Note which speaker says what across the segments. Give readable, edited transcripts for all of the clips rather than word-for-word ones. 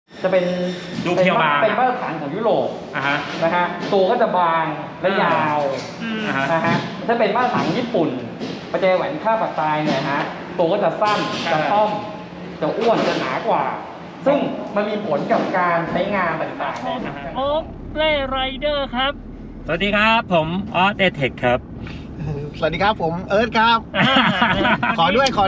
Speaker 1: จะเป็น
Speaker 2: ดูเพียวบาง
Speaker 1: เป็นมาตรฐานของยุโรปนะฮะตัวก็จะบางและยาวนะฮะถ้าเป็นมาตรฐานญี่ปุ่นประแจแหวนค่าปากตายเนี่ยฮะตัวก็จะสั้นจะต้อมจะอ้วนจะหนากว่า ซึ่งมันมีผลกับการใช้งานต่างๆนะฮะ
Speaker 3: โอ๊คเล่ไรเดอร์ครับ
Speaker 2: สวัสดีครับผมออสเอเทคครับ
Speaker 4: สวัสดีครับผมเอิร์ธครับขอด้วย
Speaker 2: สาม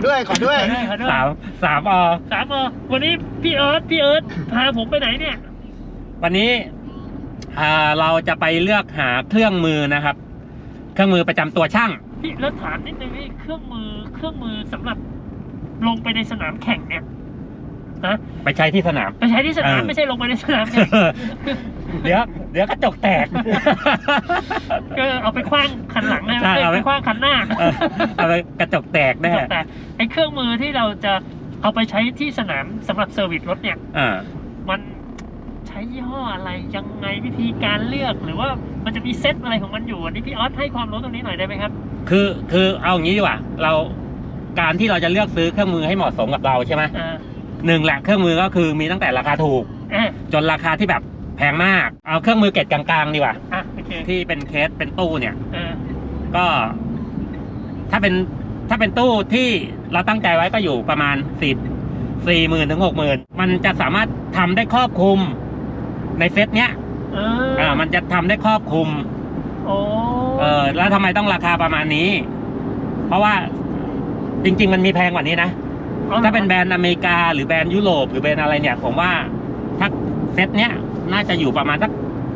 Speaker 3: วันนี้พี่เอิร์ธพาผมไปไหนเนี่ย
Speaker 2: วันนี้เราจะไปเลือกหาเครื่องมือนะครับเครื่องมือประจำตัวช่าง
Speaker 3: พี่แล้วถามนิดนึงนี่เครื่องมือสำหรับลงไปในสนามแข่งเนี่ยนะ
Speaker 2: ไปใช้ที่สนาม
Speaker 3: ไม่ใช่ลงไปในสนาม
Speaker 2: เดี๋ยวกระจกแตก
Speaker 3: ก็เอาไปคว้างคันหลังนะเอาไปคว้างคันหน้า
Speaker 2: เอาไปกระจกแตกแน่
Speaker 3: แต่ไอ้เครื่องมือที่เราจะเอาไปใช้ที่สนามสำหรับเซอร์วิสรถเนี่ยมันใช้ยี่ห้ออะไรยังไงวิธีการเลือกหรือว่ามันจะมีเซตอะไรของมันอยู่อันนี้พี่ออสให้ความรู้ตรงนี้หน่อยได้ไหมครับ
Speaker 2: คือเอาอย่างนี้ดีกว่าเราการที่เราจะเลือกซื้อเครื่องมือให้เหมาะสมกับเราใช่ไหมหนึ่งแหละเครื่องมือก็คือมีตั้งแต่ราคาถูกจนราคาที่แบบแพงมากเอาเครื่องมือเกรดกลางๆดีกว่าที่เป็นเคสเป็นตู้เนี่ยก็ถ้าเป็นตู้ที่เราตั้งใจไว้ก็อยู่ประมาณ40,000 ถึง 60,000มันจะสามารถทำได้ครอบคลุมในเซตเนี้ยมันจะทำได้ครอบคลุมแล้วทำไมต้องราคาประมาณนี้เพราะว่าจริงๆมันมีแพงกว่านี้นะถ้าเป็นแบรนด์อเมริกาหรือแบรนด์ยุโรปหรือแบรนด์อะไรเนี่ยผมว่าถ้าเซตเนี้ยน่าจะอยู่ประมาณสัก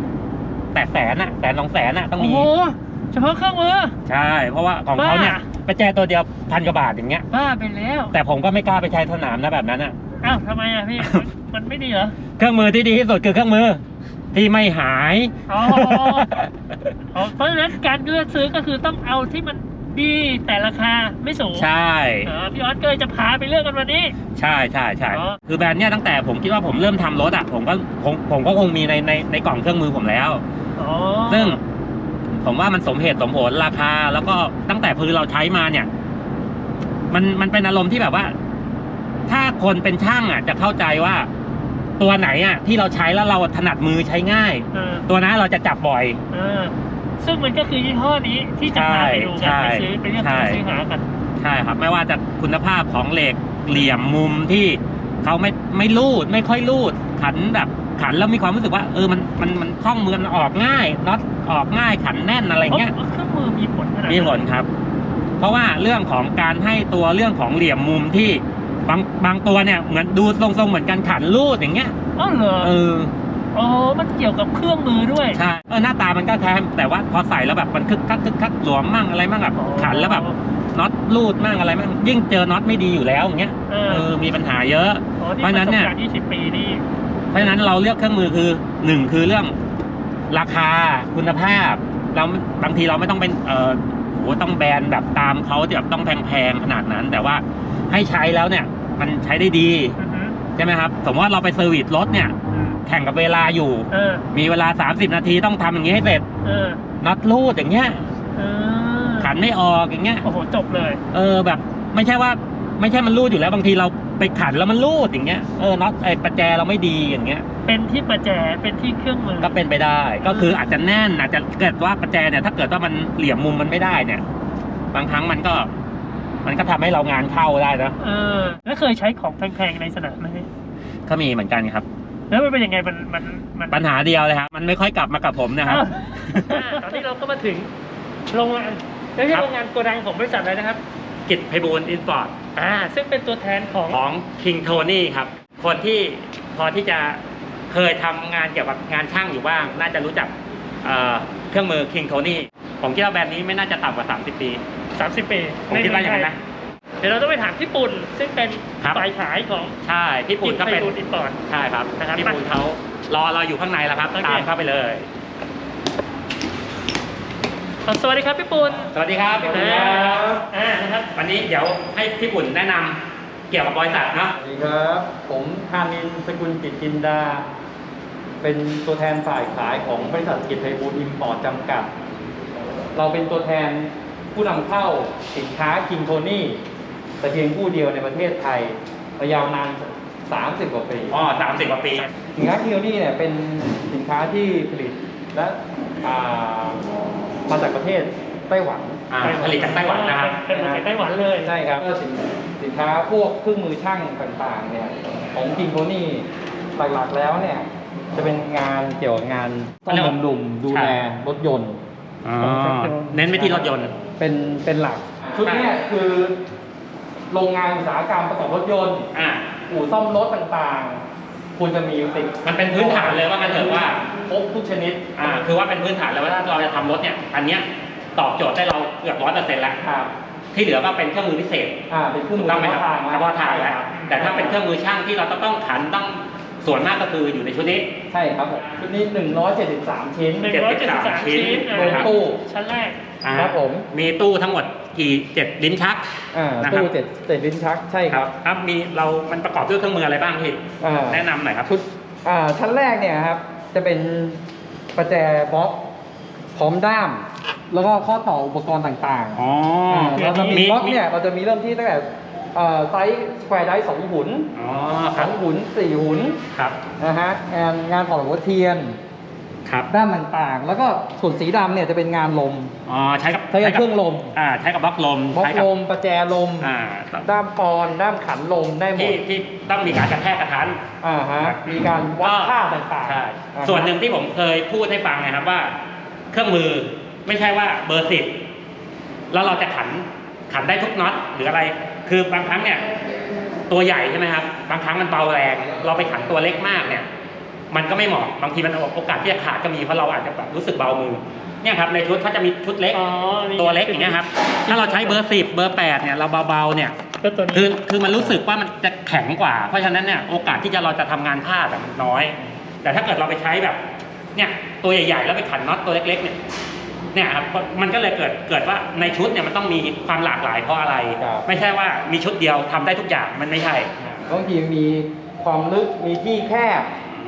Speaker 2: 100,000 ต้องมี
Speaker 3: เฉพาะเครื่องมือ
Speaker 2: ใช่เพราะว่าของเขาเนี่ยประแจตัวเดียว1,000 กว่าบาทอย่างเงี้ย
Speaker 3: บ้าไปแล้ว
Speaker 2: แต่ผมก็ไม่กล้าไปใช้สนามนะแบบนั้น
Speaker 3: อ้าวทำไมพี่มันไม่ดีเหรอ
Speaker 2: เครื่องมือที่ดีที่สุดคือเครื่องมือที่ไม่หาย
Speaker 3: เพราะฉะนั้นการเลือกซื้อก็คือต้องเอาที่มันดีแต่ราคาไม่สูง
Speaker 2: ใช่
Speaker 3: พี่ออสก็เลยจะพาไปเลือกกันวันนี้
Speaker 2: ใช่คือแบรนด์เนี้ยตั้งแต่ผมคิดว่าผมเริ่มทำรถผมก็คงมีในกล่องเครื่องมือผมแล้วซึ่งผมว่ามันสมเหตุสมผลราคาแล้วก็ตั้งแต่พื้นเราใช้มาเนี่ยมันเป็นอารมณ์ที่แบบว่าถ้าคนเป็นช่างจะเข้าใจว่าตัวไหนที่เราใช้แล้วเราถนัดมือใช้ง่ายตัวนั้นเราจะจับบ่อย
Speaker 3: ซึ่งมันก็คือยี่ห้อนี้ที่จะพาไปดูกันไปซื้อไปเลือกซื้อหากัน
Speaker 2: ใช่ครับไม่ว่าจะคุณภาพของเหล็กเหลี่ยมมุมที่เขาไม่รูดไม่ค่อยรูดขันแล้วมีความรู้สึกว่ามันคล่องมือมันออกง่ายน็อตออกง่ายขันแน่นอะไรเงี้ย
Speaker 3: เครื่องมือมีผล
Speaker 2: มีผลครับเพราะว่าเรื่องของการให้ตัวเรื่องของเหลี่ยมมุมที่บางตัวเนี่ยเหมือนดูทรงๆเหมือนกันขันรูดอย่างเงี้ย
Speaker 3: เหรอมันเกี่ยวกับเครื่องมือด้วย
Speaker 2: ใช่หน้าตามันก็แค่แต่ว่าพอใส่แล้วแบบมันคึกคักหลวมมั่งอะไรมั่งแบบขันแล้วแบบน็อตรูดมั่งอะไรมั่งยิ่งเจอน็อตไม่ดีอยู่แล้วอย่างเงี้ยมีปัญหาเยอะเพราะนั้นเนี่ย
Speaker 3: 20 ปีนี่
Speaker 2: เพราะฉะนั้นเราเลือกเครื่องมือคือ1คือเรื่องราคาคุณภาพเราบางทีเราไม่ต้องเป็นต้องแบรนด์แบบตามเขาแบบต้องแพงๆขนาดนั้นแต่ว่าให้ใช้แล้วเนี่ยมันใช้ได้ดีใช่ไหมครับสมมติว่าเราไปเซอร์วิสรถเนี่ยแข่งกับเวลาอยู่มีเวลา30 นาทีต้องทำอย่างนี้ให้เสร็จน็อตรูดอย่างเงี้ยขันไม่ออกอย่างเงี้ย
Speaker 3: โอ้โหจบเลย
Speaker 2: แบบไม่ใช่มันรูดอยู่แล้วบางทีเราไปขันแล้วมันรูดอย่างเงี้ยน็อตประแจเราไม่ดีอย่างเงี้ย
Speaker 3: เป็นที่ประแจเป็นที่เครื่องมือ
Speaker 2: ก็เป็นไปได้ก็คืออาจจะแน่นอาจจะเกิดว่าประแจเนี่ยถ้าเกิดว่ามันเหลี่ยมมุมมันไม่ได้เนี่ยบางครั้งมันก็ทำให้เรางานเข้าได้นะ
Speaker 3: แล้วเคยใช้ของแพงๆในสนามไหม
Speaker 2: ก็มีเหมือนกันครับ
Speaker 3: แล้วมันเป็นยังไงมัน
Speaker 2: ปัญหาเดียวเลยครับมันไม่ค่อยกลับมากับผมนะครับ
Speaker 3: ตอนนี้เราก็มาถึงโรงงานไม่ใช่โรงงานโกดังของบริษัทอะไรนะครับ
Speaker 2: กิจไพบูลย์อินพอร์ต
Speaker 3: ซึ่งเป็นตัวแทนของ
Speaker 2: คิงโทนี่ครับคนที่พอที่จะเคยทำงานเกี่ยวกับงานช่างอยู่บ้างน่าจะรู้จักเครื่องมือคิงโทนี่ผมคิดว่าแบรนด์นี้ไม่น่าจะต่ำกว่า30 ปีผมคิดว่าอย่างนั้นนะ
Speaker 3: เดี๋ยวเราต้องไปถามพี่ปุ่นซึ่งเป็นฝ่ายขายของ
Speaker 2: ใช่พี่ปุ่นก็เป็น
Speaker 3: อินพอร์ต
Speaker 2: ใช่ครับพี่ปุ่นเขารอเราอยู่ข้างในแล้วครับตามเข้าไปเลย
Speaker 3: สวัสดีครับพี่ปุ่น
Speaker 2: สวัสดีครับพี่ปุ่นนะครับวันนี้เดี๋ยวให้พี่ปุ่นแนะนำเกี่ยวกับบริษัทเนาะ
Speaker 1: สวัสดีครับผมธานินทร์สกุลจิตจินดาเป็นตัวแทนฝ่ายขายของบริษัทกิจไพบูลย์อิมพอร์ตจำกัดเราเป็นตัวแทนผู้นำเข้าสินค้าคิงโทนี่แต่เพียงผู้เดียวในประเทศไทยยาวนาน 30 กว่าปี
Speaker 2: อ๋อ30 กว่าปี
Speaker 1: สินค้าคิโนนี่เนี่ยเป็นสินค้าที่ผลิตและมาจากประเทศไต้หวัน
Speaker 2: ผลิตจากไต้หวันนะครับ
Speaker 3: เป็นมาจากไต้หวันเลย
Speaker 1: ใช่ครับก็สินค้าพวกเครื่องมือช่างต่างๆเนี่ยของคิงโทนี่หลักๆแล้วเนี่ยจะเป็นงานเกี่ยวกับงานซ่อมบำรุงดูแลรถยนต์
Speaker 2: อ๋อเน้นไปที่รถยนต์
Speaker 1: เป็นหลักชุดเนี้คือโรงงานอุตสาหกรรมประกอบรถยนต์อู่ซ่อมรถต่างๆควรจะมีติด
Speaker 2: มันเป็นพื้นฐานเลยว่ากันเถอะว่า
Speaker 1: ครบทุกชนิด
Speaker 2: คือว่าเป็นพื้นฐานเลยว่าถ้าเราจะทำรถเนี่ยอันเนี้ยตอบโจทย์ได้เราเกือบ100%แล้ว
Speaker 1: ครับ
Speaker 2: ที่เหลือก็เป็นเครื่องมือพิเศษ
Speaker 1: เป็นเครื่องมือ
Speaker 2: ต้องไปทาง
Speaker 1: นะ
Speaker 2: เฉพาะทางแล้วแต่ถ้าเป็นเครื่องมือช่างที่เราต้องขันต้องส่วนมากก็คืออยู่ในชุดนี้
Speaker 1: ใช่ครับผมชุดนี้173 ชิ้น
Speaker 3: 173 ชิ้น
Speaker 1: ลงตู้
Speaker 3: ชั้นแรก
Speaker 1: ครับผม
Speaker 2: มีตู้ทั้งหมดกี่7ลิ้นชักนะครั
Speaker 1: ตู้
Speaker 2: บ
Speaker 1: เจ็ดลิ้นชักใช่ครับ
Speaker 2: ครับมีมันประกอบด้วยเครื่องมืออะไรบ้างพี่แนะนำหน่อยครับ
Speaker 1: ชุดชั้นแรกเนี่ยครับจะเป็นประแจบล็อกพร้อมด้าม แล้วก็ข้อต่ออุปกรณ์ต่างๆเราจะมีบล็อกเนี่ยเราจะมีเริ่มที่ตั้งแต่ไซส์สแควร์ไดส์2 หุน 2 หุน 4 หุน
Speaker 2: ครับ
Speaker 1: นะฮะงานถอดหัวเทียน
Speaker 2: ครับ
Speaker 1: ด้ามต่างๆ แล้วก็ส่วนสีดำเนี่ยจะเป็นงานลม
Speaker 2: ใช้กับ
Speaker 1: เครื่องลม
Speaker 2: ใช้กับบล็อกลม
Speaker 1: บล็อกลมประแจลม ด้ามปอนด้ามขันลมได้หมด
Speaker 2: ที่ต้องมีการกระแทกกระทัน
Speaker 1: มีการวัดค่าต่างๆ
Speaker 2: ใช่ส่วนหนึ่งที่ผมเคยพูดให้ฟังนะครับว่า เครื่องมือไม่ใช่ว่าเบอร์ 10แล้วเราจะขันได้ทุกน็อตหรืออะไร คือบางครั้งเนี่ยตัวใหญ่ใช่ไหมครับบางครั้งมันเบาแรงเราไปขันตัวเล็กมากเนี่ยมันก็ไม่เหมาะบางทีมันโอกาสที่จะขาดก็มีเพราะเราอาจจะแบบรู้สึกเบามือเนี่ยครับในชุดเขาจะมีชุดเล็กตัวเล็กอย่างเงี้ยครับถ้าเราใช้เบอร์ 10เบอร์ 8เนี่ยเราเบาๆเนี่ยคือมันรู้สึกว่ามันจะแข็งกว่าเพราะฉะนั้นเนี่ยโอกาสที่เราจะทำงานพลาดมันน้อยแต่ถ้าเกิดเราไปใช้แบบเนี่ยตัวใหญ่ๆแล้วไปขันน็อตตัวเล็กๆเนี่ยครับมันก็เลยเกิดว่าในชุดเนี่ยมันต้องมีความหลากหลายเพราะอะไรไม่ใช่ว่ามีชุดเดียวทำได้ทุกอย่างมันไม่ใช่
Speaker 1: บางทีมีความลึกมีที่แคบ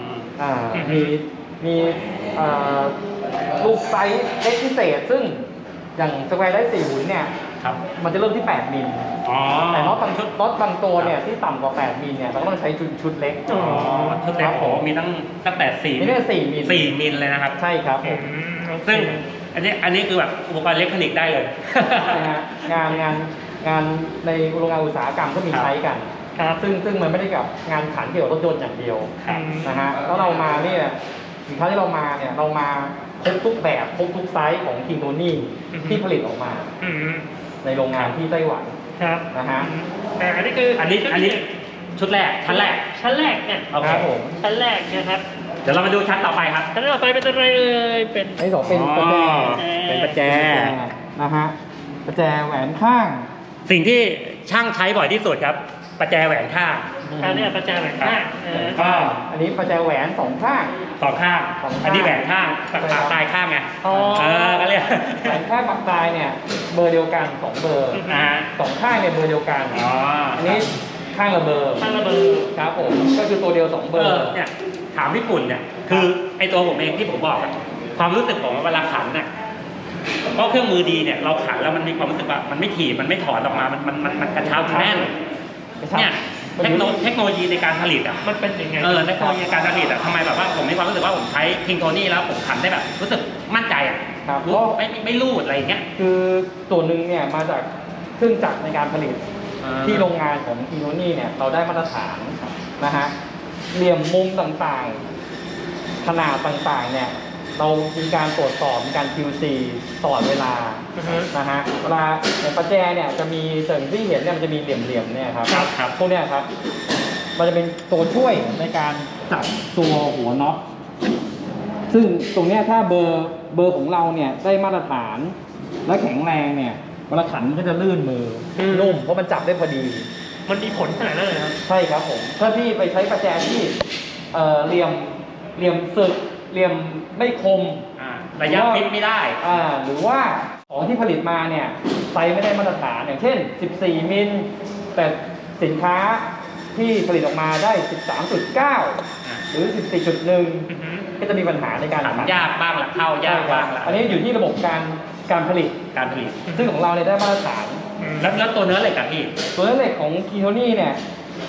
Speaker 1: มีลูกไซส์เล็กพิเศษซึ่งอย่างสแควร์ได้4 หุนเนี่ยมันจะเริ่มที่8 มิลแต่น็อตบางตัวเนี่ยที่ต่ำกว่า8 มิลเนี่ยเราก็ต้องใช้ชุดเล็ก
Speaker 2: ชุดเล็กโอ้มีตั้งแต่4 มิลเลยนะครับ
Speaker 1: ใช่ครับผม
Speaker 2: ซึ่งอันนี้คือแบบอุปกรณ์อิเล็กทรอนิกส์ได้เลย
Speaker 1: งานในโรงงานอุตสาหกรรมก็มีใช้กันซึ่งมันไม่ได้กับงานขันเกี่ยวกับรถยนต์อย่างเดียวนะฮะแล้วเรามาเนี่ยสินค้าที่เรามาเนี่ยเรามาครบทุกแบบครบทุกไซส์ของคิงโทนี่ที่ผลิตออกมาในโรงงานที่ไต้หวันนะฮะ
Speaker 3: อันนี้คือ
Speaker 2: อันนี้ชุดแรกชั้นแรก
Speaker 3: เนี่ย
Speaker 1: ครับผม
Speaker 3: ชั้นแรกนะครับ
Speaker 2: เดี๋ยวเรามาดูชั้นต่อไปครับ
Speaker 3: ชั้นต่อไปเป็นอะไรเป็น
Speaker 1: ที่2เป็นประแจนะฮะประแจแหวนข้าง
Speaker 2: สิ่งที่ช่างใช้บ่อยที่สุดครับประแจแหวนข้าง
Speaker 3: อันนี้ประแจแหวนข้าง
Speaker 1: ก็อันนี้ประแจแหวน2 ข้าง
Speaker 2: อันนี้แหวนข้างปากตายข้างไงก็เรียก
Speaker 1: แหวนข้างปากตายเนี่ยเบอร์เดียวกัน2 เบอร์2 ข้างเนี่ยเบอร์เดียวกันอันนี้ข้างละเบอร์ครับผมก็คือตัวเดียว2 เบอร์
Speaker 2: เนี่ยถามญี่ปุ่นเนี่ยคือไอตัวผมเองที่ผมบอกความรู้สึกผมเวลาขันเนี่ยเพราะเครื่องมือดีเนี่ยเราขันแล้วมันมีความรู้สึกว่ามันไม่ถีบมันไม่ถอนออกมามันกระชับแน่นเนี่ยเทคโนโลยีในการผลิต
Speaker 3: มันเป็นยังไง
Speaker 2: เทคโนโลยีการผลิตทำไมแบบว่าผมมีความรู้สึกว่าผมใช้คิงโทนี่แล้วผมขันได้แบบรู้สึกมั่นใจรู้ไม่รูดอะไรอย่างเงี้ย
Speaker 1: คือตัวหนึ่งเนี่ยมาจากเครื่องจักรในการผลิตที่โรงงานของคิงโทนี่เนี่ยเราได้มาตรฐานนะฮะเหลี่ยมมุมต่างๆขนาดต่างๆเนี่ยเรามีการตรวจสอบมีการ QC ตลอดเวลานะฮะเวลาในประแจเนี่ยจะมีสิ่งที่เห็นเนี่ยมันจะมีเหลี่ยมๆเนี่ยครับพวกเนี้ยครับมันจะเป็นตัวช่วยในการจับตัวหัวน็อตซึ่งตรงเนี้ยถ้าเบอร์ของเราเนี่ยได้มาตรฐานและแข็งแรงเนี่ยเวลาขันมันก็จะลื่นมือนุ่มเพราะมันจับได้พอดี
Speaker 3: มันมีผลขนาดนั้นเลยครับ
Speaker 1: ใช่ครับผมถ้าพี่ไปใช้ประแจที่เหลี่ยมสึกเหลี่ยมไม่คม
Speaker 2: ระยะฟิตไม่ได้
Speaker 1: หรือว่าของที่ผลิตมาเนี่ยไซส์ไม่ได้มาตรฐานอย่างเช่น14 มิลแต่สินค้าที่ผลิตออกมาได้ 13.9 หรือ 14.1 ก็จะมีปัญหาในการ
Speaker 2: ขันยากบ้างละเข้ายากบ้างละ
Speaker 1: อันนี้อยู่ที่ระบบการผลิตซึ่งของเราเนี่ยได้มาตรฐาน
Speaker 2: แล้วตัวเนื้อเหล็กกับพี่
Speaker 1: ตัวเนื้อเหล็กของคิโทนี่เนี่ย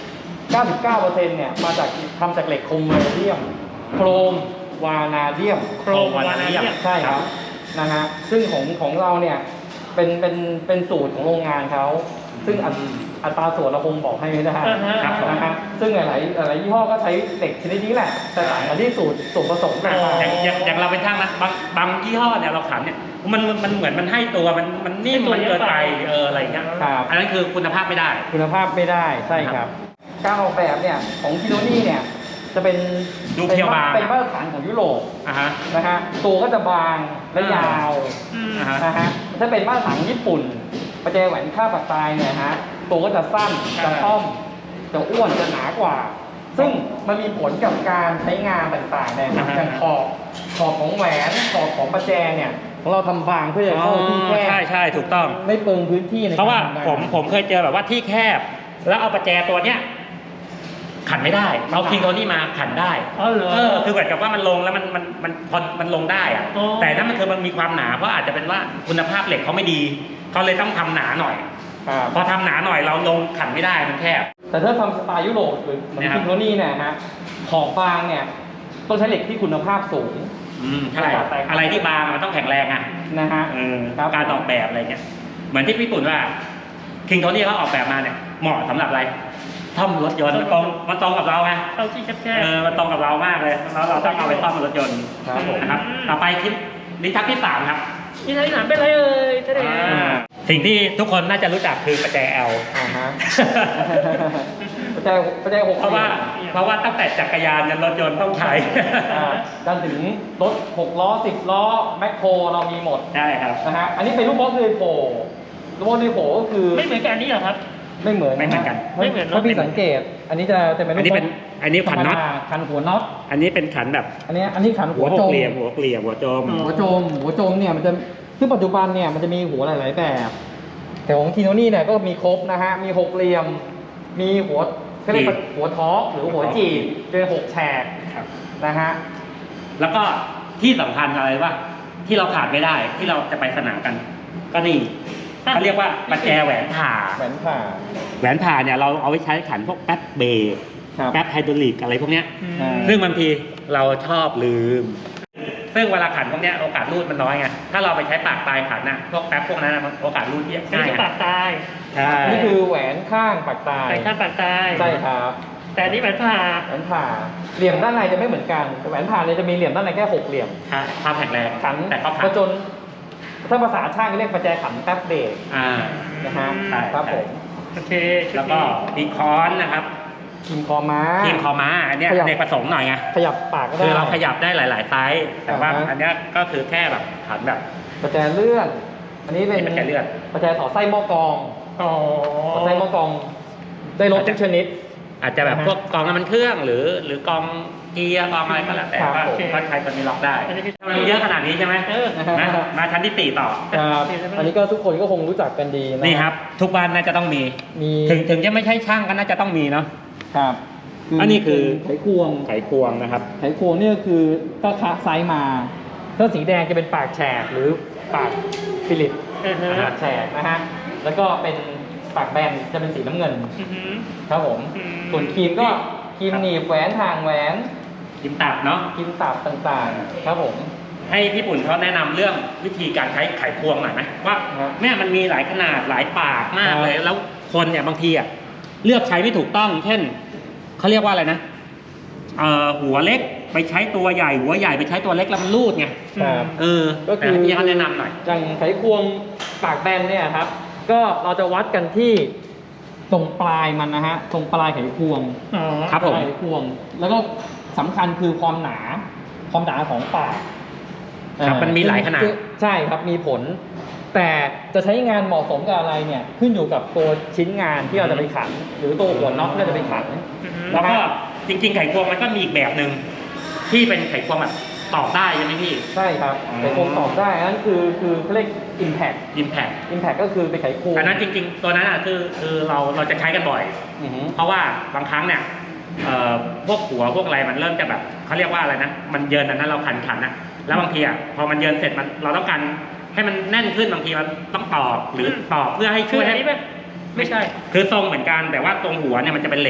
Speaker 1: 99%เนี่ยมาจากทำจากเหล็กโครเมเดียมโครมวานาเดียม
Speaker 3: โครมวานาเดียม
Speaker 1: ใช่ครับนะฮะซึ่งของเราเนี่ยเป็นสูตรของโรงงานเขาซึ่งอัตราส่วนเราคงบอกให้ไม่ได้
Speaker 2: ครับผม
Speaker 1: นะฮะซึ่งหลายยี่ห้อก็ใช้เหล็กชนิดนี้แหละแต่ต่างกันที่สูตรผสมต่าง
Speaker 2: อย่างเราเป็นช่างนะบางยี่ห้อเนี่ยเราขันเนี่ยมันเหมือนมันให้ตัวมันนิ่มมันเกินไปอะไรอย่างเงี้ย
Speaker 1: ครับ
Speaker 2: อันนั้นคือคุณภาพไม่ได้
Speaker 1: คุณภาพไม่ได้ใช่ครับ การออกแบบเนี่ยของคิโนนี่เนี่ยจะเป็น
Speaker 2: ดูเพียวบาง
Speaker 1: เป็นมาตรฐานของยุโรป
Speaker 2: อ่ะฮะ
Speaker 1: นะฮะตัวก็จะบางและยาว
Speaker 2: อ่าฮะ
Speaker 1: นะฮะถ้าเป็นมาตรฐานญี่ปุ่นประแจแหวนค่าปากตายเนี่ยฮะตัวก็จะสั้นจะค่อมจะอ้วนจะหนากว่า ซึ่งมันมีผลกับการใช้งานต่างๆเนี่ยครับอย่างขอบของแหวนขอบของประแจเนี่ยของเราทำบางเพื่อจะเข้าที่แคบ
Speaker 2: ใช่ถูกต้อง
Speaker 1: ไม่เปลืองพื้นที่ใน
Speaker 2: เพราะว่า
Speaker 1: การทำงาน
Speaker 2: ผมเคยเจอแบบว่าที่แคบ แล้วเอาประแจตัวเนี้ยขันไม่ได้เอาคิงโทนี่มาขันได้
Speaker 3: อ๋อเหรอ
Speaker 2: คือเหมือนกับว่ามันลงแล้วมันลงได้อะ
Speaker 3: อ๋อ
Speaker 2: แต่นั่นมันคือมันมีความหนาเพราะอาจจะเป็นว่าคุณภาพเหล็กเขาไม่ดีเขาเลยต้องทำหนาหน่อย
Speaker 1: ครับ
Speaker 2: พอทำหนาหน่อยเราลงขันไม่ได้มันแคบ
Speaker 1: แต่ถ้าทำสไตล์ยุโรปหรือเหมือน
Speaker 2: นะครับ
Speaker 1: คิงโทนี่เนี่ยฮะขอบบางเนี่ยต้องใช้เหล็กที่คุณภาพสูง
Speaker 2: ใช่อะไรที่บางมันต้องแข็งแรงอ่ะ
Speaker 1: นะฮะ ครับ
Speaker 2: การออกแบบอะไรเงี้ยเหมือนที่ญี่ปุ่นว่าคิงโทนี่เขาออกแบบมาเนี่ยเหมาะสำหรับอะไรซ่อมรถยนต์มันตรงกับเราไง
Speaker 3: เข้าที่แคบ
Speaker 2: มันตรงกับเรามากเลยแล้วเราต้องเอาไปซ่อมรถยนต์
Speaker 1: ครับผม
Speaker 2: นะครับต่อไปคลิปลิ้นชักที่3ครับ
Speaker 3: ๆนี่ที่ไหนเป็นไรเอ่ยท่านเอง
Speaker 2: สิ่งที่ทุกคนน่าจะรู้จักคือประแจ L
Speaker 1: อ่าฮะประแจหก
Speaker 2: เพราะว่าตั้งแต่จักรยานยันรถยนต์ต้องใช้
Speaker 1: จนถึงรถ6ล้อ10ล้อแมคโครเรามีหมด
Speaker 2: ใช่ครับ
Speaker 1: นะฮะอันนี้เป็นลูกบอลเลยโผล่ลูกบอลเลยโผล่ก็คือ
Speaker 3: ไม่เหมือนกันนี่เหรอครับ
Speaker 1: ไม่เหมือน
Speaker 2: ไม่เหมือนกัน
Speaker 3: ไม่เหมือน
Speaker 1: ถ้าพี่สังเกต อันนี้จะเป็นลูกบอล
Speaker 2: อันนี้ขันน็อต
Speaker 1: ธรรมดาขันหัวน็อต
Speaker 2: อันนี้เป็นขันแบบ
Speaker 1: อันนี้ขัน
Speaker 2: หั
Speaker 1: หั
Speaker 2: ว
Speaker 1: ว
Speaker 2: ห
Speaker 1: โจ
Speaker 2: ก
Speaker 1: ม
Speaker 2: เหลี่ยมหัวโจม
Speaker 1: หัวโจมเนี่ยมันจะซึ่งปัจจุบันเนี่ยมันจะมีหัวหลาย ๆ แบบ แต่ของคิโนนี่เนี่ยก็มีครบนะฮะมี6เหลี่ยมมีหัวเขาเรียกว่าหัวท้อหรือหัวจีบเป็น6แฉก
Speaker 2: ครับ
Speaker 1: นะฮะ
Speaker 2: แล้วก็ที่สำคัญอะไรว่าที่เราขาดไม่ได้ที่เราจะไปสนามกัน ก็นี่เขาเรียกว่าประแจแหวนผ่า
Speaker 1: แหวนผ่า
Speaker 2: แหวนผ่าเนี่ยเราเอาไว้ใช้ขันพวกแป๊บเบรก
Speaker 1: ครับ
Speaker 2: แป๊บไฮดรอลิกอะไรพวกเนี้ย
Speaker 1: อ่า
Speaker 2: ซึ่งบางทีเราชอบลืม ซึ่งเวลาขันพวกเนี้ยโอกาสรูดมันน้อยไงถ้าเราไปใช้ปากปลายขันน่ะพวกแป๊บพวกนั้นน่ะโอกาสรูดเยอะ
Speaker 3: นี่
Speaker 2: ง่าย
Speaker 3: คือปากตาย
Speaker 2: ใช่
Speaker 1: นี่คือแหวนข้างปากตาย
Speaker 3: แต่ข้างปากตาย
Speaker 1: ใช่ครับ
Speaker 3: แต่อันนี่แหวนผ่า
Speaker 1: แหวนผ่าเหลี่ยมด้านในจะไม่เหมือนกันแหวนผ่าเนี่ยจะมีเหลี่ยมด้านในแค่6เหลี่ยม
Speaker 2: ความแข็งแรง
Speaker 1: ขัน
Speaker 2: แต่เขา
Speaker 1: ป
Speaker 2: ขัน
Speaker 1: ระจนถ้าภาษาช่างเรียกประแจขันแป๊บเบรก นะฮะ
Speaker 2: ใช่
Speaker 1: ครับผม
Speaker 3: โอเคชุดนี้
Speaker 2: แล้วก็ดีคอนนะครับ
Speaker 1: ทีมคอม้า
Speaker 2: ทีมคอม้าอันเนี้ย
Speaker 1: ขยับ
Speaker 2: เด็กประสงค์หน่อยไง
Speaker 1: ขยับปากก็ได้
Speaker 2: คือเราขยับได้หลาย ๆ ไซส์แต่ว่า
Speaker 1: อ่าฮะ
Speaker 2: อันเนี้ยก็คือแค่แบบขันแบบ
Speaker 1: ประแจเลื่อน อันนี้เป็น
Speaker 2: ประแจเลื่อน
Speaker 1: ประแจต่อไส้หม้อกรอง
Speaker 3: อ๋อ
Speaker 1: ต่อไส้หม้อกรอง ได้รถทุกชนิด
Speaker 2: อาจจะแบบ
Speaker 1: อ่าฮะ
Speaker 2: พวกกองน้ำมันเครื่องหรือกองเกียร์กองอะไรก็แล้วแต่
Speaker 1: ครับ
Speaker 2: ว่า
Speaker 1: ผม
Speaker 2: ก็ใช้ตัวนี้ล็อกได้
Speaker 3: อันนี้คือ
Speaker 2: มันเยอะขนาดนี้ใช่ไหม มาชั้นที่4ต่อ
Speaker 1: ครับอันนี้ก็ทุกคนก็คงรู้จักกันดีนะ
Speaker 2: นี่ครับ ทุกบ้านน่าจะต้องมี
Speaker 1: มี
Speaker 2: ถึงจะไม่ใช่ช่างก็น่าจะต้องมีเนาะ
Speaker 1: ครับ
Speaker 2: อันนี้คือ
Speaker 1: ไขควง
Speaker 2: ไขควงนะครับ
Speaker 1: ไขควงเนี่ยคือก็คะไซส์มาถ้าสีแดงจะเป็นปากแฉกหรือปากฟิลิป
Speaker 3: อือฮึ
Speaker 1: ปากแฉกนะฮะ แล้วก็เป็นปากแบนจะเป็นสีน้ำเงิน
Speaker 3: อือฮึ
Speaker 1: ครับผม
Speaker 3: อืม
Speaker 1: ส่วนครีมก็ครีมหนีบแหวนทางแหวน
Speaker 2: กิมตัดเนาะ
Speaker 1: ครีมตับต่างๆ ครับผม
Speaker 2: ให้พี่ปุ่นเขาแนะนำเรื่องวิธีการใช้ไขควงหน่อยไหมว่า
Speaker 1: ครับ
Speaker 2: แม่มันมีหลายขนาดหลายปากมาก
Speaker 1: ครับ
Speaker 2: เลย แล้วคนเนี่ยบางทีอ่ะเลือกใช้ไม่ถูกต้อง เช่นเขาเรียกว่าอะไรนะหัวเล็กไปใช้ตัวใหญ่หัวใหญ่ไปใช้ตัวเล็กแล้วมันรูดไง
Speaker 1: ครับ
Speaker 2: ก็คือพี่เขาแนะนำหน่อย
Speaker 1: อย่างไขควงปากแบนเนี่ยครับ ก็เราจะวัดกันที่ตรงปลายมันนะฮะ ตรงปลายไขควง
Speaker 3: อ๋อ
Speaker 2: ครับผม
Speaker 1: ปลายไขควง แล้วก็สำคัญคือความหนาของปาก
Speaker 2: ครับมันมีหลายขนาด
Speaker 1: ใช่ครับมีผล แต่จะใช้งานเหมาะสมกับอะไรเนี่ยขึ้นอยู่กับตัวชิ้นงานที่เราจะไปขัน หรือตัวหัวน็อตที่เราจะไปขัน
Speaker 3: อือฮึ
Speaker 2: แล้วก็จริงๆไขควงมันก็มีอีกแบบหนึ่งที่เป็นไขควงแบบตอกได้ใช่ไหมพี่
Speaker 1: ใช่ครับ
Speaker 2: อ๋อ
Speaker 1: ไขควงตอบได้อันนั้นคือเขาเรียก impact
Speaker 2: Impact
Speaker 1: impact ก็คือเป็นไขควง
Speaker 2: อันนั้นจริงๆตัวนั้นอ่ะคือเราจะใช้กันบ่อย
Speaker 1: อือฮึ
Speaker 2: เพราะว่าบางครั้งเนี่ยพวกหัวพวกอะไรมันเริ่มจะแบบเขาเรียกว่าอะไรนะมันเยินอันนั้นเราขันอ่ะแล้วบางทีอ่ะพอมันเยินเสร็จมันเราต้องการให้มันแน่นขึ้นบางทีมันต้องตอกหรือตอกเพื่อให้
Speaker 3: คื
Speaker 2: ช่
Speaker 3: อ
Speaker 2: วย
Speaker 3: อัน
Speaker 2: ให้
Speaker 3: นี้ไหมไม่ใช่
Speaker 2: คือทรงเหมือนกันแต่ว่าตรงหัวเนี่ยมันจะเป็นเหล็ก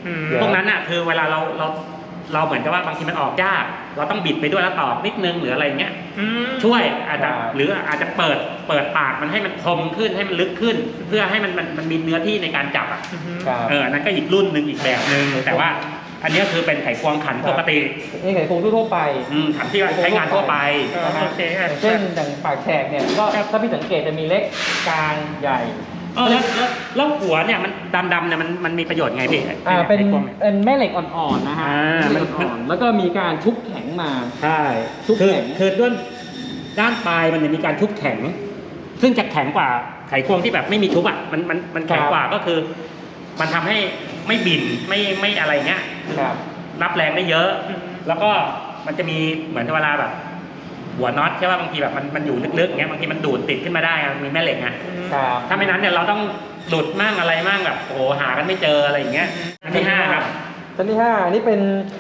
Speaker 2: พวกนั้นอ่ะคือเวลาเราเหมือนกับว่าบางทีมันออกยากเราต้องบิดไปด้วยแล้วตอกนิดนึงหรืออะไรเงี้ยช่วยอาจจะหรืออาจจะเปิดปากมันให้มันคมขึ้นให้มันลึกขึ้น เพื่อให้มันมีเนื้อที่ในการจับอ่ะนั่นก็อีกรุ่นหนึ่งอีกแบบหนึ่งแต่ว่าอันนี้คือเป็นไขควงขันปกติ
Speaker 1: นี่ไขควงทั่วไป
Speaker 2: ขันที่ใช้งานทั่วไป
Speaker 1: เช่นอย่างปากแฉกเนี่ยก็ถ้าพี่สังเกตจะมีเล็กกลางใหญ่
Speaker 2: แล้วหัวเนี่ยมันดำๆเนี่ยมันมีประโยชน์ไงพี่
Speaker 1: เป็นแม่เหล็กอ่อนๆนะฮะแล้วก็มีการชุบแข็งมา
Speaker 2: ใช่ชุบแข็งคือด้วยด้านปลายมันจะมีการชุบแข็งซึ่งจะแข็งกว่าไขควงที่แบบไม่มีชุบอ่ะมันแข็งกว่าก็คือมันทำให้ไม่บิ่นไม่อะไรเงี้ยรับแรงได้เยอะแล้วก็มันจะมีเหมือนเวลาแบบหัวน็อตใช่ป่ะบางทีแบบมันอยู่ลึกๆเงี้ยบางทีมันดูดติดขึ้นมาได้มีแม่เหล็กไงถ้าไม่นั้นเนี่ยเราต้องหลุดมั่งอะไรมั่งแบบโอ้หากันไม่เจออะไรอย่างเงี้ยอันที่5ครับ
Speaker 1: อันที่5อันนี้เป็น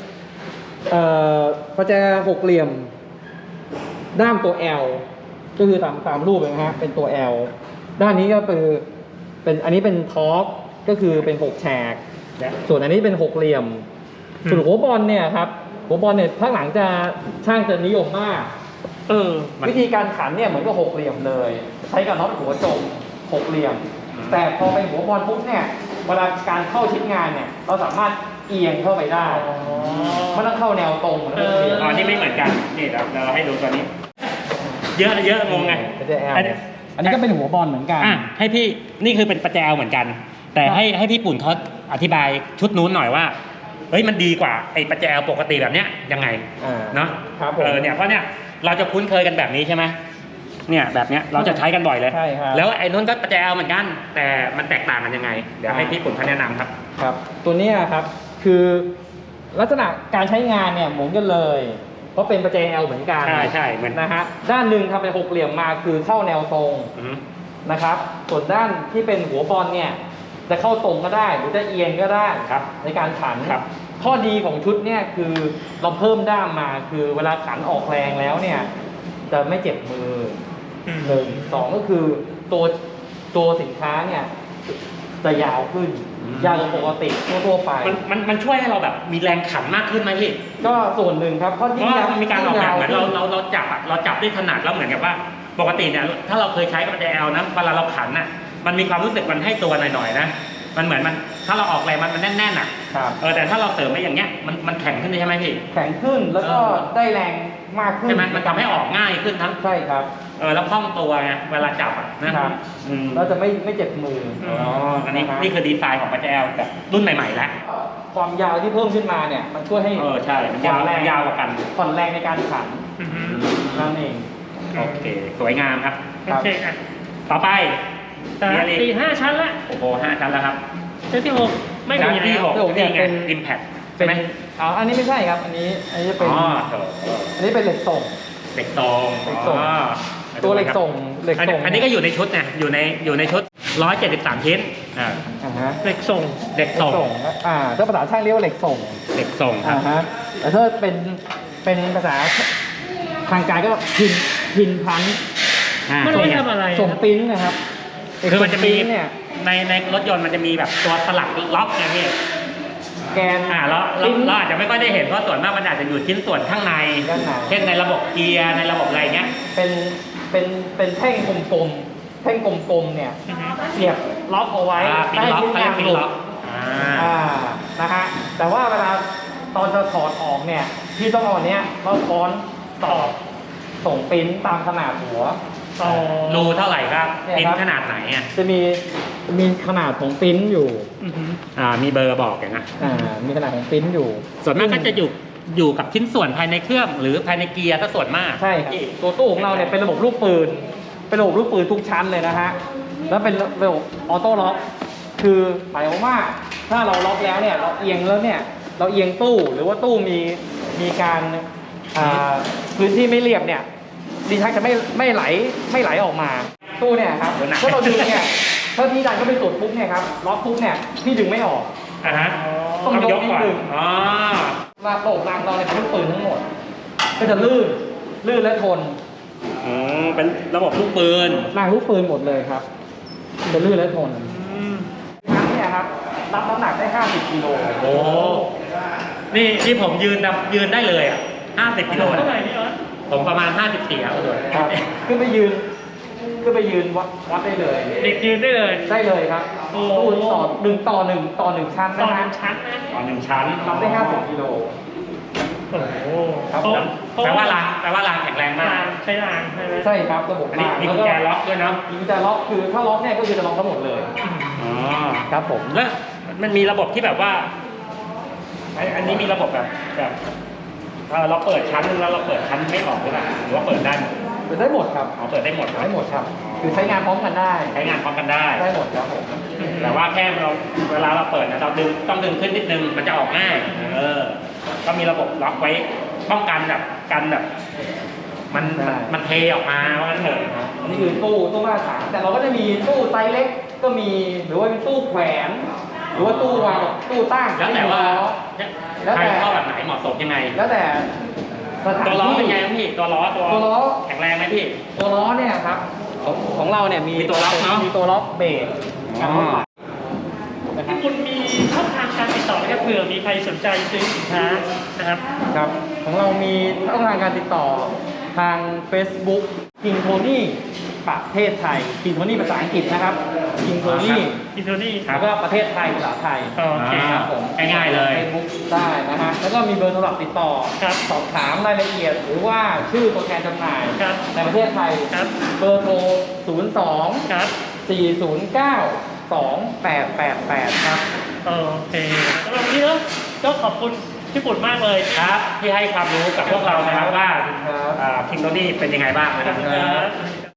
Speaker 1: ประแจ6เหลี่ยมด้ามตัว L ก็คือตามรูปเลยนะฮะเป็นตัว L ด้านนี้ก็คือเป็นอันนี้เป็นทอร์กก็คือเป็น6แฉกส่วนอันนี้เป็น6เหลี่ยมส่วนหัวบอลเนี่ยครับหัวบอลเนี่ยภาคหลังจะช่างจะนิยมมากวิธีการขันเนี่ยเหมือนกับ6เหลี่ยมเลยใช้กับน็อตหัวจม6เหลี่ยมแต่พอเป็นหัวบอลปุ๊บเนี่ยเวลาการเข้าชิ้นงานเนี่ยเราสามารถเอียงเข้าไปได้ไม่ต้องเข้าแนวตรง
Speaker 2: นี่ไม่เหมือนกันนี่เราให้ดูตัวนี้เยอะงงไง
Speaker 1: อันนี้ก็เป็นหัวบอลเหมือนกัน
Speaker 2: ให้พี่นี่คือเป็นประแจเหมือนกันแต่ให้พี่ปุ่นเขาอธิบายชุดนู้นหน่อยว่าเฮ้ยมันดีกว่าไอ้ประแจปกติแบบเนี้ยยังไงเนาะเนี่ยเพราะเนี่ยเราจะคุ้นเคยกันแบบนี้ใช่ไหมเนี่ยแบบเนี้ยเราจะใช้กันบ่อยเลยแล้วไอ้นู้นก็ประแจเหมือนกันแต่มันแตกต่างกันยังไงเดี๋ยวให้พี่ปุ่นเขาแนะนำครับ
Speaker 1: ตัวนี้ครับคือลักษณะการใช้งานเนี่ยเหมือนกันเลยเพราะเป็นประแจ L เหมือนกัน
Speaker 2: ใช่เหมือน
Speaker 1: นะฮะด้านหนึ่งทำเป็น6เหลี่ยมมาคือเข้าแนวตรงนะครับส่วนด้านที่เป็นหัวบอลเนี่ยจะเข้าตรงก็ได้หรือจะเอียงก็ได้ในการขันข้อดีของชุดเนี่ยคือเราเพิ่มด้ามมาคือเวลาขันออกแรงแล้วเนี่ยจะไม่เจ็บมือ1 2ก็คือตัวสินค้าเนี่ยจะยาวขึ้นยาวกว่าปกติทั่วไป
Speaker 2: มันช่วยให้เราแบบมีแรงขันมากขึ้นไหมพี่
Speaker 1: ก็ส่วนหนึ่งครับเพราะ
Speaker 2: มันมีการออกแบบเหมือนเราจับได้ถนัดแล้วเหมือนกับว่าปกติเนี่ยถ้าเราเคยใช้กับประแจ L นะเวลาเราขันน่ะมันมีความรู้สึกมันให้ตัวหน่อยๆนะมันเหมือนถ้าเราออกแรงมันแน่นๆอ่ะแต่ถ้าเราเสริมไปอย่างเงี้ยมันแข็งขึ้นใช่ไหมพี่
Speaker 1: แข็งขึ้นแล้วก็ได้แรงมากขึ้น
Speaker 2: ใช่ไหมมันทำให้ออกง่ายขึ้นทั้ง
Speaker 1: ใช่ครับ
Speaker 2: แล้วคล่องตัวไงเวลาจับอ่ะ
Speaker 1: นะครับเราจะไม่เจ็บมือ
Speaker 2: อันนี้นี่คือดีไซน์ของประแจ L แบบรุ่นใหม่ๆแล้ว
Speaker 1: ความยาวที่เพิ่มขึ้นมาเนี่ยมันช่วยให้
Speaker 2: ใช่มันยาวกว่ากัน
Speaker 1: ผ่อนแรงในการขันนั่นเอง
Speaker 2: โอเคสวยงามครับ
Speaker 3: โอเค
Speaker 2: ต่อไป
Speaker 3: ตี5 ชั้นละ
Speaker 2: โอ้โห5 ชั้นแล้วครับ
Speaker 3: ชั้นที่6ไม่มี
Speaker 2: ที่6นี่ไง Impact ใช่ไหม
Speaker 1: อันนี้ไม่ใช่ครับอันนี้จะเป็นอันนี้เป็นเหล็กส่งตัวเหล็กส่ง
Speaker 2: อันนี้ก็อยู่ในชุดไงอยู่ในชุด173ชิ้น
Speaker 3: เหล็กส่ง
Speaker 1: ถ้าภาษาช่างเรียกว่าเหล็กส่ง
Speaker 2: ครับ
Speaker 1: แต่ถ้าเป็นภาษาทางการก็พินพัน
Speaker 3: มันไม่ทำอะไร
Speaker 1: ส่งปิ้นนะครับ
Speaker 2: คือมันจะมีเนี่ยในรถยนต์มันจะมีแบบตัวสลักล็อกไงพี่
Speaker 1: แกน
Speaker 2: แล้วเราอาจจะไม่ค่อยได้เห็นเพราะส่วนมากมันอาจจะอยู่ชิ้นส่วนข้างในเช่นในระบบเกียร์ในระบบอะไรเงี้ย
Speaker 1: เป็นแท่งกลมๆเนี่ยเสียบล็อกเอาไว้
Speaker 2: ใต้ชิ้นงานหลุด
Speaker 1: นะฮะแต่ว่าเวลาตอนจะถอดออกเนี่ยพี่ต้องเอาเนี้ยเราค้อนต่อส่งปิ้นตามขนาดหัว
Speaker 2: รูเท่าไหร่ครับปิ้นขนาดไหนอ่ะ
Speaker 1: จะมีขนาดของปิ้นอยู่
Speaker 2: มีเบอร์บอกอย่างนะ
Speaker 1: มีขนาดของปิ้นอยู่
Speaker 2: ส่วนมากก็จะอยู่กับชิ้นส่วนภายในเครื่องหรือภายในเกียร์ถ้าส่วนมาก
Speaker 1: ใช่ครับตัวตู้ของเราเนี่ยเป็นระบบลูกปืนทุกชั้นเลยนะฮะแล้วเป็นระบบออโต้ล็อกคือหมายความว่าถ้าเราล็อกแล้วเนี่ยเราเอียงแล้วเนี่ยเราเอียงตู้หรือว่าตู้มีการพื้นที่ไม่เรียบเนี่ยดีชักจะไม่ไหลออกมาตู้เนี่ยครับถ้าเราดึงเนี่ยถ้าพี่ดันเข้าไปสุดปุ๊บเนี่ยครับล็อกปุ๊บเนี่ยพี่ดึงไม่ออกต้องยกนิดนึงระบบรางเราเนี่ยเป็นลูกปืนทั้งหมดก็จะลื่นและทน
Speaker 2: เป็นระบบลูกปืน
Speaker 1: รางลูกปืนหมดเลยครับจะลื่นและทนทั้งเนี่ยครับรับน้ำหนักได้ 50 กิโล
Speaker 2: โอ้นี่ผมยืนได้เลยอ่ะ50 กิโล
Speaker 3: เท่าไหร่พี่ออส
Speaker 2: ผมประมาณ54ครับคุณโดน
Speaker 1: ครับขึ้นไปยืนวัดได้เลย
Speaker 3: เด็กยืนได้เลย
Speaker 1: ได้เลยครับ
Speaker 3: โอ้
Speaker 1: ตู้ต่อ1 ชั้น
Speaker 3: ต่อ
Speaker 1: นะ
Speaker 3: ห
Speaker 1: ฮะ
Speaker 3: นึ่งชั้นนะ
Speaker 2: ตอน1 ชั้น
Speaker 1: รับได้ 50 กิโล
Speaker 3: โอ้โห
Speaker 1: ครับ
Speaker 3: โต๊ะ
Speaker 2: แปลว่ารางแข็งแรงมาก
Speaker 3: ใช้รางใช่ไหม
Speaker 1: ใช่ครับระบบ
Speaker 2: อันนี้มีกุญแจล็อกด้วยเนาะ
Speaker 1: มีกุญแจล็อกคือถ้าล็อกเนี่ยก็คือจะล็อกทั้งหมดเลย
Speaker 2: อ๋อ
Speaker 1: ครับผม
Speaker 2: แล้วมันมีระบบที่แบบว่าอันนี้มีระบบแบบเราเปิดชั้นนึงแล้วเราเปิดชั้นไม่ออกหรือเปล่าหรือว่าเปิดได้หมด
Speaker 1: เปิดได้หมดครับ
Speaker 2: อ๋อเปิดได้หมดครับ
Speaker 1: ได้หมดครับ คือใช้งานพร้อมกันได้
Speaker 2: ใช้งานพร้อมกันได้
Speaker 1: ได้หมดครับผม
Speaker 2: แต่ว่าแค่เวลาเราเปิดนะเราต้องดึงขึ้นนิดนึงมันจะออกง่ายก็มีระบบล็อกไว้ป้องกันแบบมันเทออกมาว่างั้นเถอะ
Speaker 1: นี่คือตู้มาตรฐานแต่เราก็จะมีตู้ไซส์เล็กก็มีหรือว่าเป็นตู้แขวนหรือว่าตู้วางกับตู้ตั้ง
Speaker 2: แล้วแต่ว่า
Speaker 1: แล้ว
Speaker 2: ใคร
Speaker 1: แต่
Speaker 2: เข้าแบบไหนเหมาะสมยังไง
Speaker 1: แล้วแต่สถาน
Speaker 2: ตัวล้อ
Speaker 1: ที่
Speaker 2: เป็นไงครับพี่ตัวล้อ
Speaker 1: ตัวล้อ
Speaker 2: แข็งแรงไหมพี่
Speaker 1: ตัวล้อเนี่ยครับของเราเนี่ยมี
Speaker 2: ตัวล็อกเนอะ
Speaker 1: มีตัวล็อกเบรกการล็อกปรับนะครับ
Speaker 3: คุณมีช่องทางการติดต่อไหมครับเผื่อมีใครสนใจซื้อสินค้านะครับ
Speaker 1: ครับของเรามีช่องทางการติดต่อทาง Facebook King Tony ประเทศไทย King Tony ภาษาอังกฤษนะครับ King Tony
Speaker 3: อินโทนี่
Speaker 1: แล้วก็ประเทศไทยภาษาไทย
Speaker 3: โอเค
Speaker 1: ครับผม
Speaker 2: ง่ายๆเลย
Speaker 1: Facebook ได้นะฮะแล้วก็มีเบอร์โทรศัพท์ติดต่อ
Speaker 3: ครับ
Speaker 1: สอบถามรายละเอียด หรือว่าชื่อตัวแทนจำหน่าย
Speaker 3: ครับ
Speaker 1: ในประเทศไทย
Speaker 3: ครับ
Speaker 1: เบอร์โทร 02
Speaker 3: ครับ
Speaker 1: 409 2888 ครับ
Speaker 3: โอเคสำหรับวันนี้เนอะก็ขอบคุณพี่ปุ่นมากเลย
Speaker 2: ครับที่ให้ความรู้กับพวกเรานะครับว่า
Speaker 1: ครับ
Speaker 2: คิงโตนี่เป็นยังไงบ้างนะ
Speaker 3: ข
Speaker 2: ค
Speaker 3: อบ
Speaker 2: รับ
Speaker 3: คุณครับ